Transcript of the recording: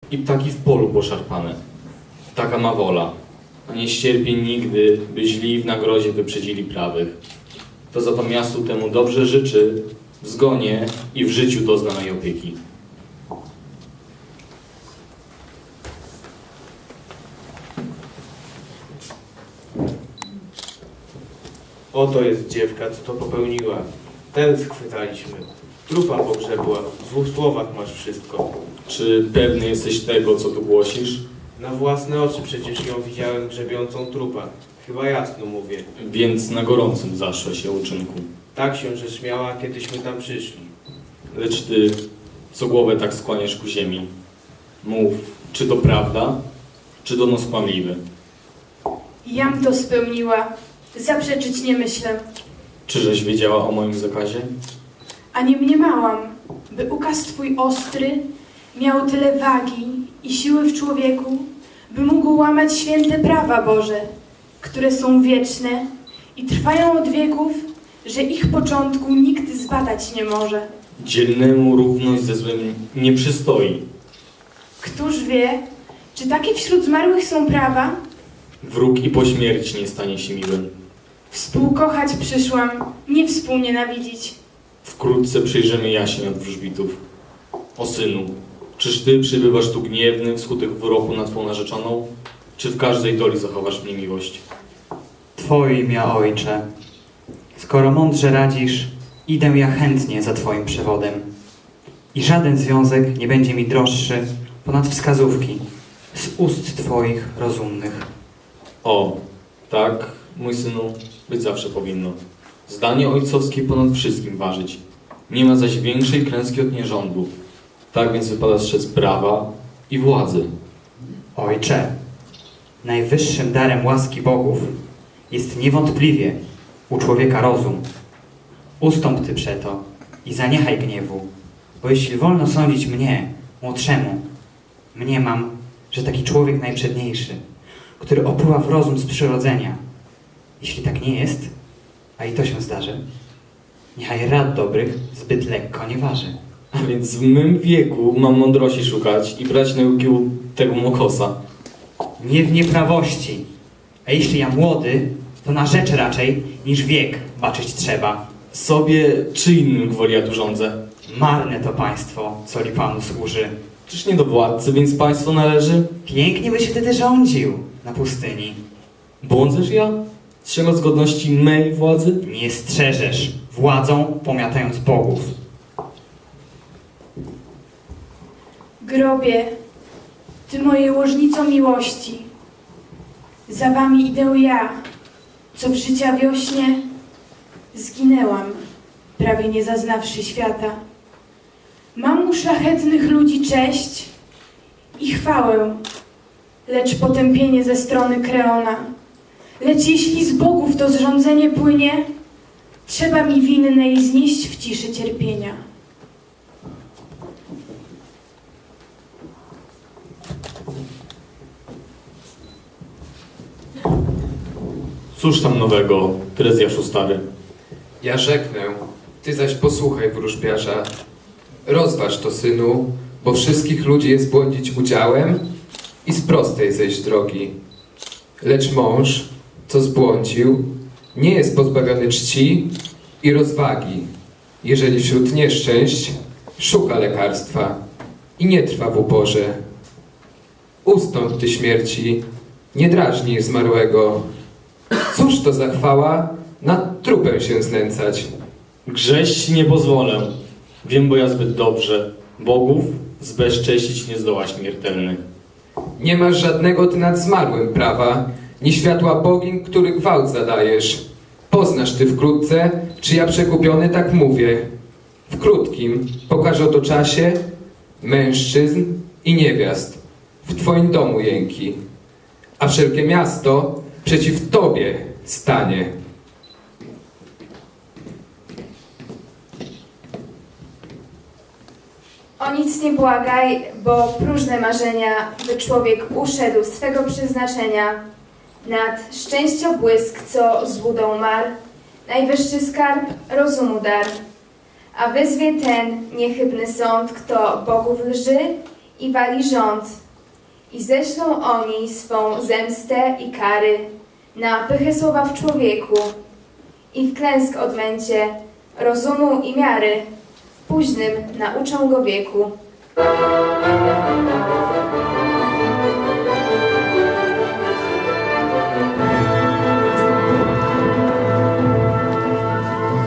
I ptaki w polu poszarpane. Taka ma wola, a nie ścierpię nigdy, by źli w nagrodzie wyprzedzili prawych. To za to miastu temu dobrze życzy, w zgonie i w życiu doznanej opieki. Oto jest dziewka, co to popełniła. Ten schwytaliśmy. Trupa pogrzebła. W 2 słowach masz wszystko. Czy pewny jesteś tego, co tu głosisz? Na własne oczy przecież ją widziałem grzebiącą trupa. Chyba jasno mówię. Więc na gorącym zaszła się uczynku. Tak się rzecz miała, kiedyśmy tam przyszli. Lecz ty, co głowę tak skłaniasz ku ziemi, mów, czy to prawda, czy donos kłamliwy? Jam to spełniła. Zaprzeczyć nie myślę. Czyżeś wiedziała o moim zakazie? A nie mniemałam, by ukaz twój ostry miał tyle wagi i siły w człowieku, by mógł łamać święte prawa Boże, które są wieczne i trwają od wieków, że ich początku nikt zbadać nie może. Dzielnemu równość ze złym nie przystoi. Któż wie, czy takie wśród zmarłych są prawa? Wróg i po śmierci nie stanie się miłym. Współkochać przyszłam, nie współnienawidzić. Wkrótce przyjrzymy jaśń od wróżbitów. O synu, czyż ty przybywasz tu gniewny wskutek wyroku na twą narzeczoną? Czy w każdej doli zachowasz mnie miłość? Twoje imię, ojcze. Skoro mądrze radzisz, idę ja chętnie za twoim przewodem. I żaden związek nie będzie mi droższy ponad wskazówki z ust twoich rozumnych. O, tak, mój synu, być zawsze powinno. Zdanie ojcowskie ponad wszystkim ważyć. Nie ma zaś większej klęski od nierządu. Tak więc wypada strzec prawa i władzy. Ojcze, najwyższym darem łaski bogów jest niewątpliwie u człowieka rozum. Ustąp ty przeto i zaniechaj gniewu, bo jeśli wolno sądzić mnie, młodszemu, mniemam, że taki człowiek najprzedniejszy, który opływa w rozum z przyrodzenia. Jeśli tak nie jest, a i to się zdarzy, niechaj rad dobrych zbyt lekko nie waży. A więc w mym wieku mam mądrości szukać i brać nauki u tego mokosa. Nie w nieprawości, a jeśli ja młody, to na rzecz raczej niż wiek baczyć trzeba. Sobie czy innym gwoli ja tu rządzę? Marne to państwo, co li panu służy. Czyż nie do władcy, więc państwo należy? Pięknie byś wtedy rządził na pustyni. Błądzesz ja? Strzegąc godności mej władzy? Nie strzeżesz władzą, pomiatając bogów. Grobie, ty mojej łożnico miłości, za wami idę ja, co w życia wiośnie zginęłam, prawie nie zaznawszy świata. Mam u szlachetnych ludzi cześć i chwałę, lecz potępienie ze strony Kreona. Lecz jeśli z bogów to zrządzenie płynie, trzeba mi winnej znieść w ciszy cierpienia. Cóż tam nowego, Trezjaszu stary? Ja rzeknę, ty zaś posłuchaj wróżbiarza. Rozważ to, synu, bo wszystkich ludzi jest błądzić udziałem i z prostej zejść drogi. Lecz mąż, co zbłądził, nie jest pozbawiony czci i rozwagi, jeżeli wśród nieszczęść szuka lekarstwa i nie trwa w uporze. Ustąp ty śmierci, nie drażnij zmarłego. Cóż to za chwała nad trupem się znęcać? Grześć nie pozwolę. Wiem, bo ja zbyt dobrze. Bogów zbezcześcić nie zdoła śmiertelny. Nie masz żadnego ty nad zmarłym prawa, ni światła bogin, który gwałt zadajesz. Poznasz ty wkrótce, czy ja przekupiony tak mówię. W krótkim pokażę to czasie mężczyzn i niewiast w twoim domu jęki, a wszelkie miasto przeciw tobie stanie. O nic nie błagaj, bo próżne marzenia, by człowiek uszedł z swego przeznaczenia. Nad szczęściobłysk, co złudą mar, najwyższy skarb rozumu dar. A wyzwie ten niechybny sąd, kto bogów lży i wali rząd. I ześlą oni swą zemstę i kary na pychę słowa w człowieku i w klęsk odmęcie rozumu i miary w późnym nauczą go wieku.